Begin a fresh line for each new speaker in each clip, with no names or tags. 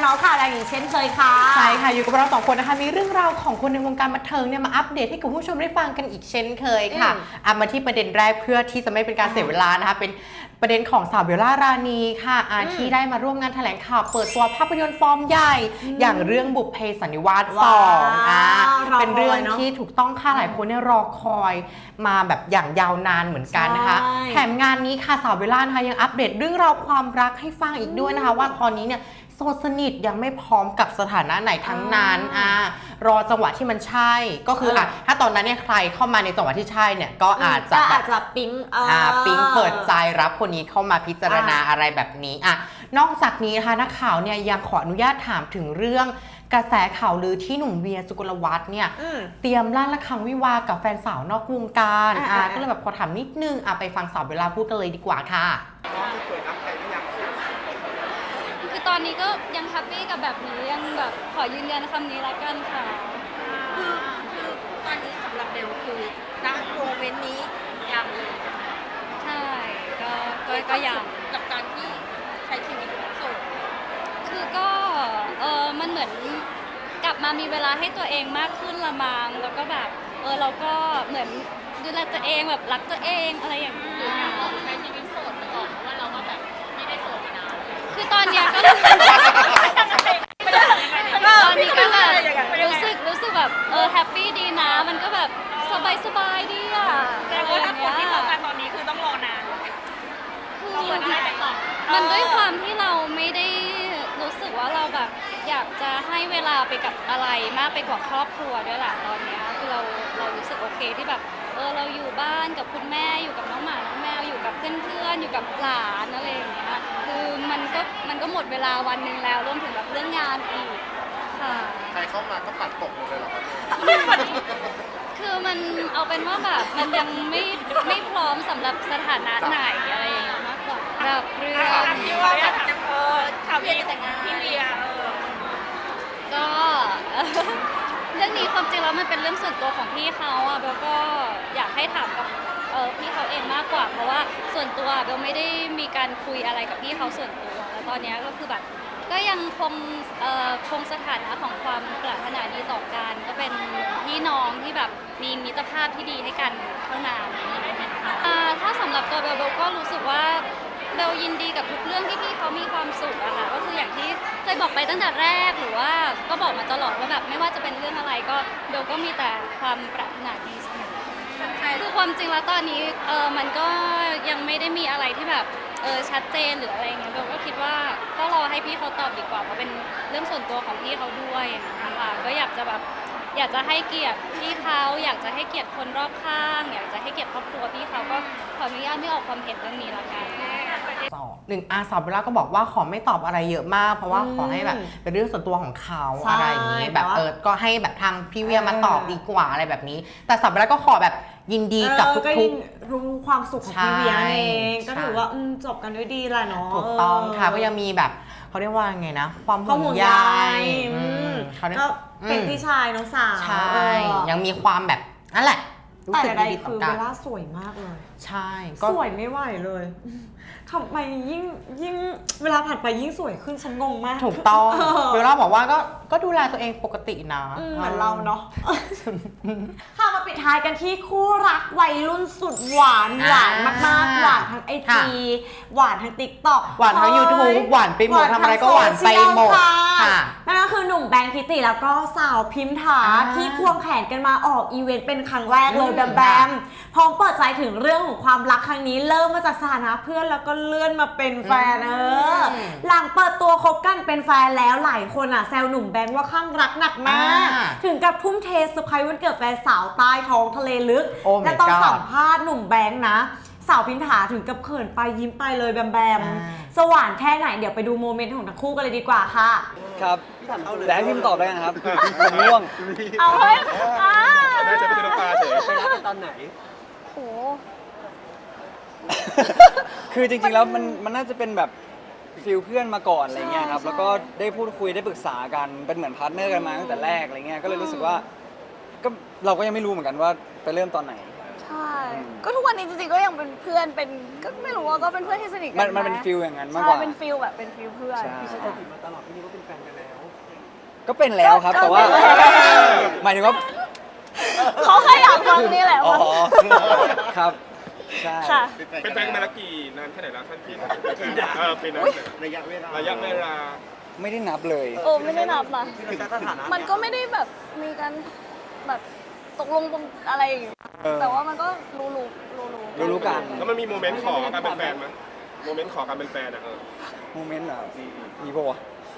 มาส์ข่าวดังอย่างเช่นเคยค่ะ
ใช่ค่ะอยู่กับเรา2 คนนะคะมีเรื่องราวของคนในวงการบันเทิงเนี่ยมาอัปเดตให้กับผู้ชมได้ฟังกันอีกเช่นเคยค่ะมาที่ประเด็นแรกเพื่อที่จะไม่เป็นการเสียเวลานะคะเป็นประเด็นของสาวเบลล่ารานีค่ะที่ได้มาร่วมงานแถลงข่าวเปิดตัวภาพยนตร์ฟอร์มใหญ่อย่างเรื่องบุพเพสันนิวาส2เป็นเรื่องที่ถูกต้องค่ะหลายคนเนี่ยรอคอยมาแบบอย่างยาวนานเหมือนกันนะคะแถมงานนี้ค่ะสาวเบลล่านะคะยังอัปเดตเรื่องราวความรักให้ฟังอีกด้วยนะคะว่าตอนนี้เนี่ยโสดสนิทยังไม่พร้อมกับสถานะไหนทั้งนั้นรอจังหวะที่มันใช่ก็คือถ้าตอนนั้นเนี่ยใครเข้ามาในจังหวะที่ใช่เนี่ยก็อาจจะ
ปิ๊ง
เปิดใจรับคนนี้เข้ามาพิจารณาอะไรแบบนี้นอกจากนี้นะคะนักข่าวเนี่ยยังขออนุญาตถามถึงเรื่องกระแสข่าวลือที่หนุ่มเวียสุกลวัฒน์เนี่ยเตรียมลั่นระฆังวิวากับแฟนสาวนอกวงการก็เลยแบบขอถามนิดนึงไปฟังสาวเบลล่าพูดกันเลยดีกว่าค่ะ
คือตอนนี้ก็ยังแฮปปี้กับแบบนี้ยังแบบขอยืนยันคำนี้ละกันค่ะ
คือตอนนี้สำหรับเบลคือณโมเมนต์นี้ยังเลย
ใช่ก็ยัง
กับการที่ใช้ชีวิตโสด
คือก็มันเหมือนกลับมามีเวลาให้ตัวเองมากขึ้นละมั้งแล้วก็แบบเราก็เหมือนดูแลตัวเองแบบรักตัวเองอะไรอย่างเงี้ย
ใช้ชีวิตโสดมาก่อนเพราะว่าเราก็แบบไม่ได้โสดมานาน
คือตอนเนี้ยก็ตอนนี้ก็แบบรู้สึกแบบแฮปปี้ดีนะมันก็แบบสบายดีอ่ะ
แต่ว่าถ้าคนที่เข้ามาตอนนี้คือต้องรอนาน
คือมันด้วยความที่เราไม่ได้รู้สึกว่าเราแบบอยากจะให้เวลาไปกับอะไรมากไปกว่าครอบครัวด้วยแหละตอนนี้คือเรารู้สึกโอเคที่แบบเราอยู่บ้านกับคุณแม่อยู่กับน้องหมาน้องแมวอยู่กับเพื่อนๆอยู่กับหลานอะไรอย่างเงี้ยคือมันก็หมดเวลาวันนึงแล้วรวมถึงแบบเรื่องงานอีกค่ะ
ใครเข้ามาก็ปัดตกเลยเหรอครับ
คือมันเอาเป็นว่าแบบมันยังไม่พร้อมสำหรับสถานะไหนอะไรอย่างเงี้ยมากกว่าแบบเรื่อง
ที่ว่าแบบข่าวเวียแต่งงานพี่เวีย
ก็เรื่องนี้ความจริงแล้วมันเป็นเรื่องส่วนตัวของพี่เขาเบลก็อยากให้ถามกับพี่เขาเองมากกว่าเพราะว่าส่วนตัวเบลไม่ได้มีการคุยอะไรกับพี่เขาส่วนตัวแล้วตอนนี้ก็คือแบบก็ยังคงสถานะของความปรารถนาดีต่อกันก็เป็นพี่น้องที่แบบมีมิตรภาพที่ดีให้กันเท่านั้นถ้าสำหรับตัวเบลก็รู้สึกว่าเบลยินดีกับทุกเรื่องที่พี่เขามีความสุขอะค่ะก็คืออย่างที่เคยบอกไปตั้งแต่แรกหรือว่าก็บอกมาตลอดว่าแบบไม่ว่าจะเป็นเรื่องอะไรก็เบลก็มีแต่ความปรารถนาดีเสมอคือความจริงแล้วตอนนี้มันก็ยังไม่ได้มีอะไรที่แบบชัดเจนหรืออะไรเงี้ยเบลก็คิดว่าก็รอให้พี่เขาตอบดีกว่าเพราะเป็นเรื่องส่วนตัวของพี่เขาด้วยนะคะก็อยากจะให้เกียรติพี่เขาอยากจะให้เกียรติคนรอบข้างอยากจะให้เกียรติครอบครัวพี่เขาก็ขออนุญาตไม่ออกความเห็นเรื่องนี้ละกัน
สาวเบลล่าก็บอกว่าขอไม่ตอบอะไรเยอะมากเพราะว่าขอให้แบบเป็นเรื่องส่วนตัวของเขาอะไรอย่างนี้แบบก็ให้แบบทางพี่เวียมาตอบดีกว่าอะไรแบบนี้แต่สาวเบลล่าก็ขอแบบยินดีกับทุก
ๆรู้ความสุขของพี่เวียเองก็ถือว่าจบกันด้วยดีแหละเนาะ
ถูกต้องค่ะก็ยังมีแบบเขาเรียกว่าไงนะความห่วงใย
ก็เป็นพี่ชายน้องสาว
ใช่ยังมีความแบบนั่นแหละรู้สึกดี
ต่อกันคือเบลล่าสวยมากเลย
ใช่
สวยไม่ไหวเลยทำไมยิ่งเวลาผ่านไปยิ่งสวยขึ้นฉันงงมาก
ถูกต้องเบลล่าบอกว่าก็ดูแลตัวเองปกตินะ
เหมือนเราเนาะค่ะมาปิดท้ายกันที่คู่รักวัยรุ่นสุดหวานมากๆหวานทั้งIGหวานทั้ง TikTok
หวานทั้ง YouTube หวานไปหมดทำอะไรก็หวานไปหมด
นั่นก็คือหนุ่มแบงค์ทิติแล้วก็สาวพิมถาที่ควงแขนกันมาออกอีเวนต์เป็นครั้งแรกเลยแบมพร้อมเปิดใจถึงเรื่องของความรักครั้งนี้เริ่มมาจากสถานะเพื่อนแล้วก็เลื่อนมาเป็นแฟนหลังเปิดตัวคบกันเป็นแฟนแล้วหลายคนแซวหนุ่มแบงค์ว่าข้างรักหนักมากถึงกับทุ่มเทเซอร์ไพรส์วันเกิดแฟนสาวใต้ท้องทะเลลึกและตอนสัมภาษณ์หนุ่มแบงค์นะสาวพิมถาถึงกับเขินไปยิ้มไปเลยแบมสว่างแค่ไหนเดี๋ยวไปดูโมเมนต์ของทั้งคู่กันเลยดีกว่าค่ะ
ครับแต่ให้พิมตอบได้กันครับผมง่วง
เอาเฮ้ย
น่าจะไม่ใช่น้ำตาเฉย
ไปรักกันตอนไหน
โห
คือจริงๆแล้วมันน่าจะเป็นแบบฟิลเพื่อนมาก่อนอะไรเงี้ยครับแล้วก็ได้พูดคุยได้ปรึกษากันเป็นเหมือนพาร์ทเนอร์กันมาตั้งแต่แรกอะไรเงี้ยก็เลยรู้สึกว่าก็เราก็ยังไม่รู้เหมือนกันว่าไปเริ่มตอนไหน
ใช่ ก็ทุกวันนี้จริงๆก็ยังเป็นเพื่อนเป็นก็ไม่รู้ว่าก็เป็นเพื่อนที่สนิทกั
มันเป็นฟิลอย่างนั้นมากก
ใช่
ว่า
เป็นฟิลแบบเป็นฟิลเพื่อน
ใช่
ใช่
ก็เป็นแล้วครับ แต่ว่า
ก็เป็นแล้ว
หมายถึงว่า
เขาแค่อยากฟังนี่แหละ
อ๋อ
ว่า
ครับใช่
ค่ะ
เป็นแฟนกันมาแล้วกี่นานแค่ไหนแล้วท่านพี่เป็นระยะเวลา
ไม่ได้นับเลย
โอ้ไม่ได้นับนะมันก็ไม่ได้แบบมีการแบบตกลงปรงอะไรอย่างเงี้ย
เออ
แต่ว่ามันก็รู้
รู้กัน
แล้วมันมีโมเมนต์ขอการเป็นแฟนไหมโมเมนต์ขอการเป็นแฟนอ่ะ
โมเมนต์เหรอมีปะวะ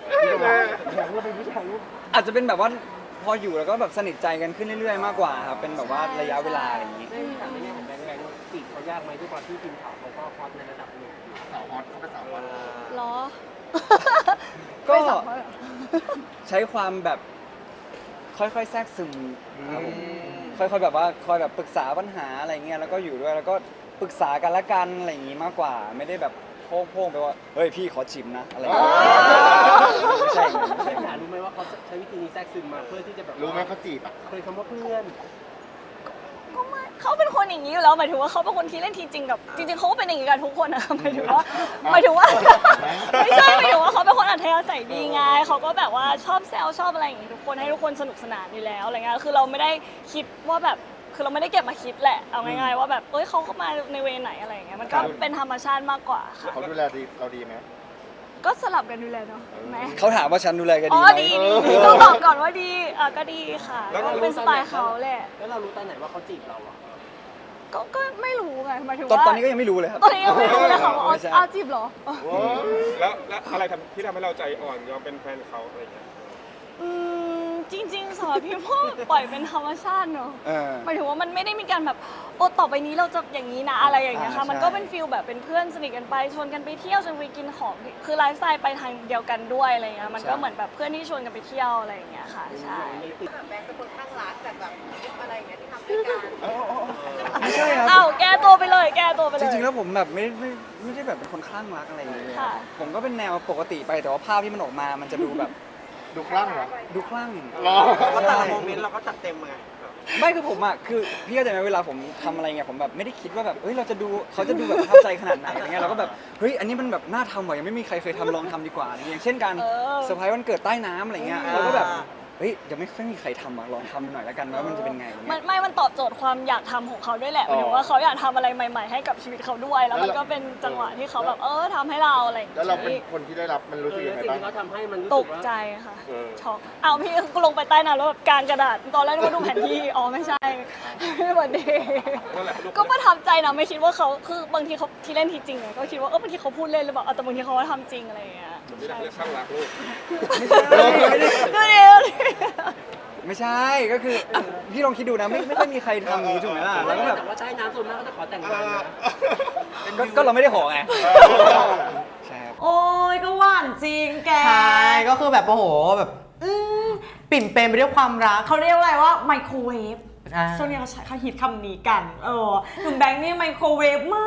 อาจจะเป็นแบบว่าพออยู่แล้วก็แบบสนิทใจกันขึ้นเรื่อยๆมากกว่าครับเป็นแบบว่าระยะเวลาอะไรอย่างนี้
แต่ในแง่ของแบงค์จีบเขายากไหมด้วยความที่ทีมข่าวเขาก็ฮอตในระดับหนึ่ง
สาวฮอตเขาเป็นสาวฮอต
เหรอ
ก็
ไม่สับเขาเหรอ
ใช้ความแบบค่อยๆแทรกซึมครับผมค่อยๆแบบว่าคอยแบบปรึกษาปัญหาอะไรเงี้ยแล้วก็อยู่ด้วยแล้วก็ปรึกษากันละกันอะไรอย่างงี้มากกว่า ไม่ได้แบบโพ่งๆไปว่าเฮ้ยพี่ขอจิมนะอะไรอย่างเงี้ยไม่ใช่อย่างนั้นไม่ใช่อย่าง
ถา
นั้น
รู้ไหมว่าเขาใช้วิธีนี้แทรกซึมมาเพื่อที่จะแบบ
รู้ไหมเขาจีบอ่ะ
เคยคำว่าเพื่อน
ก็ไม่เขาเป็นคนอย่างนี้อยู่แล้วหมายถึงว่าเขาเป็นคนที่เล่นทีจริงกับจริงๆเขาก็เป็นอย่างนี้กันทุกคนนะหมายถึงว่าไม่ใช่หมายถึงว่าเขาเป็นคนอัธยาศัยดีไงเขาก็แบบว่าชอบแซวชอบอะไรอย่างงี้ทุกคนให้ทุกคนสนุกสนานอยู่แล้วอะไรเงี้ยคือเราไม่ได้คิดว่าแบบคือเราไม่ได้เก็บมาคิดแหละเอาง่ายๆว่าแบบเอ้ยเขาเข้ามาในเวไหนอะไรอย่างเงี้ยมันก็เป็นธรรมชาติมากกว่าค่ะ
เขาดูแลเราดีไหม
ก็สลับกันดูแลเนาะแม่
เขาถามว่าฉันดูแลกัน
อ๋
ดี
อ
ไหม
ดีต้องบอกก่อนว่าดีก็ดีค่ะก็เป็นสไตล์เขาแหละ
แล้วเรารู้ตอนไหนว่าเขาจีบเราอ่ะ
ก็ไม่รู้ไงหมายถึง
ตอน
ว่า
ตอนนี้ก็ยังไม่รู้เลยครับ
ตอนนี้ยังไม่รู้เลยค่ะว่า
ไม่ใช่
จีบเหรอ
แล้วอะไรที่ทำให้เราใจอ่อนยอมเป็นแฟนเขาอะไรอย่างเงี้ย
จริงๆสำหรับพี่พ่อปล่อยเป็นธรรมชาติเนอะ
เออ
หมายถึงว่ามันไม่ได้มีการแบบโอ้ต่อไปนี้เราจะอย่างนี้นะอะไรอย่างเงี้ยค่ะ
ใช่
มันก็เป็นฟิลแบบเป็นเพื่อนสนิทกันไปชวนกันไปเที่ยวชวนไปกินของคือไลฟ์สไตล์ไปทางเดียวกันด้วยอะไรเงี้ยมันก็เหมือนแบบเพื่อนที่ชวนกันไปเที่ยวอะไรอย่างเงี้ยค่ะใช่
แบงค์เป็นคนข้างรักแต่แบบอะไรอย่างเงี้ยที่ทำด้วยกัน
ไม่ใช่ครับ
อ้าวแก้ตัวไปเลยแก้ตัวไปเลย
จริงๆแล้วผมแบบไม่ได้แบบเป็นคนคลั่งรักอะไรอย่างเงี้ย
ค่ะ
ผมก็เป็นแนวปกติไปแต่ว่าภาพที่มันออกมามันจะดูแบบ
ดูคลั่งเหรอ
ดูคลั่ง
เพราะแต่ละโมเมนต์เราก็จัดเต็มไง
ไม่คือผมอ่ะคือพี่เข้าใจไหมเวลาผมทำอะไรเงี้ยผมแบบไม่ได้คิดว่าแบบเฮ้ยเราจะดูเขาจะดูแบบประทับใจขนาดไหนอะไรเงี้ยเราก็แบบเฮ้ยอันนี้มันแบบน่าทำว่ะยังไม่มีใครเคยทำลองทำดีกว่าอะไรเงี้ยอย่างเช่นการเซอร์ไพรส์วันเกิดใต้น้ำอะไรเงี้ยเราก็แบบเฮ้ยยังไม่ค่อยมีใครทำอ่ะลองทำหน่อยแล้วกันว่ามันจะเป็นไงอะไร
มัน
เงี้ย
มันตอบโจทย์ความอยากทำของเขาด้วยแหละหมายถึงว่าเขาอยากทำอะไรใหม่ๆให้กับชีวิตเขาด้วย แล้วมันก็เป็นจังหวะที่เขาแบบทำให้เราอะไรอย่าง
แล้วเราเป็น
งี้
คนที่ได้รับมันรู้สึกยังไง
สิ่ง
บ้าง
ที่เขาทำให้มันรู้
ต
สึ
ก
กว่า
ใจค่ะช็อกเอาพี่ก็ลงไปใต้น้ำแล้วแบบกางกระดาษตอนแรกนึกว่าดูแผนที่อ๋อไม่ใช่ ไม่เหมือนเดิม
นั่นแหละ
ก็ประทับใจนะไม่คิดว่าเขาคือบางทีเขาที่เล่นทีจริงไงก็คิดว่าบางทีเขาพูดเล่นหรือเปล่าแต่บางทีเขาก็ทำจริงอะไรอย่างเงี้ย
ไม่ได้เรียกข้างรักลูก
ไม่ใช่
ดูดิ
ไม่ใช่ก็คืออ่ะพี่ลองคิดดูนะไม่ค่อยมีใครทำอย่างนี้ถูกไหมล่ะแล้วก็แบบ
แต่ว่าใช้น้ำส่วนมากก็จะขอแต่งงานนะ
ก็เราไม่ได้ขอไงใช่ครับ
โอ้ยก็หวานจริงแก
ใช่ก็คือแบบโอ้โหแบบปิ่มเปรมไปด้วยความรัก
เขาเรียกอะไรว่าไมโครเวฟ
อ่า
ช่วงนี้เขาฮิตคำนี้กันหนุ่มแบงค์นี่ไมโครเวฟมาก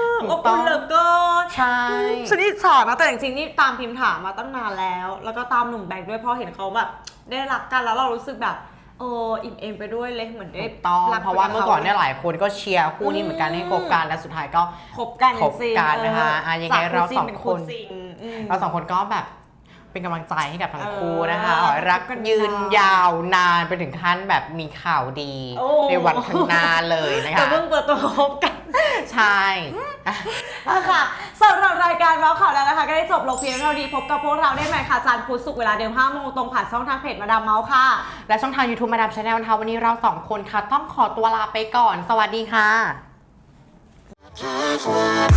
ถู
อบ
กต้
อุ่
อง
นเหลือเกิน
ใช่
ฉันอิจฉานะแต่จริงๆนี่ตามพิมพ์ถามมาตั้งนานแล้ว แล้วก็ตามหนุ่มแบงค์ด้วยเพราะเห็นเขาแบบได้รักกันแล้วเรารู้สึกแบบอิ่มเอมไปด้วยเลยเหมือนได้
ถูกต้อง
รัก
เพราะว่าเมื่อก่อนเนี่ยหลายคนก็เชียร์คู่นี้เหมือนกันให้คบกันและสุดท้ายก็
คบกัน
คบกันนะคะยังไงเราสองคน เราสองคนก็แบบเป็นกำลังใจให้กับทั้งคู่นะคะขอให้รักยืนยาวนานไปถึงขั้นแบบมีข่าวดี
โอ้
ในวันข้างหน้าเลยนะ
แต่
คะ
เพิ่งเปิดตัวคบกัน
ใช่
ค่ะสำหรับรายการเมาส์ข่าวแล้วนะคะก็ได้จบลงเพียงเท่านี้พบกับพวกเราได้ใหม่ค่ะจันทร์พุธศุกร์เวลาเดิม5 โมงตรงผ่านช่องทางเพจมาดามเมาส์ค่ะ
และช่องทาง YouTube มาดามชาแนลนะคะวันนี้เราสองคนค่ะต้องขอตัวลาไปก่อน สวัสดีค่ะ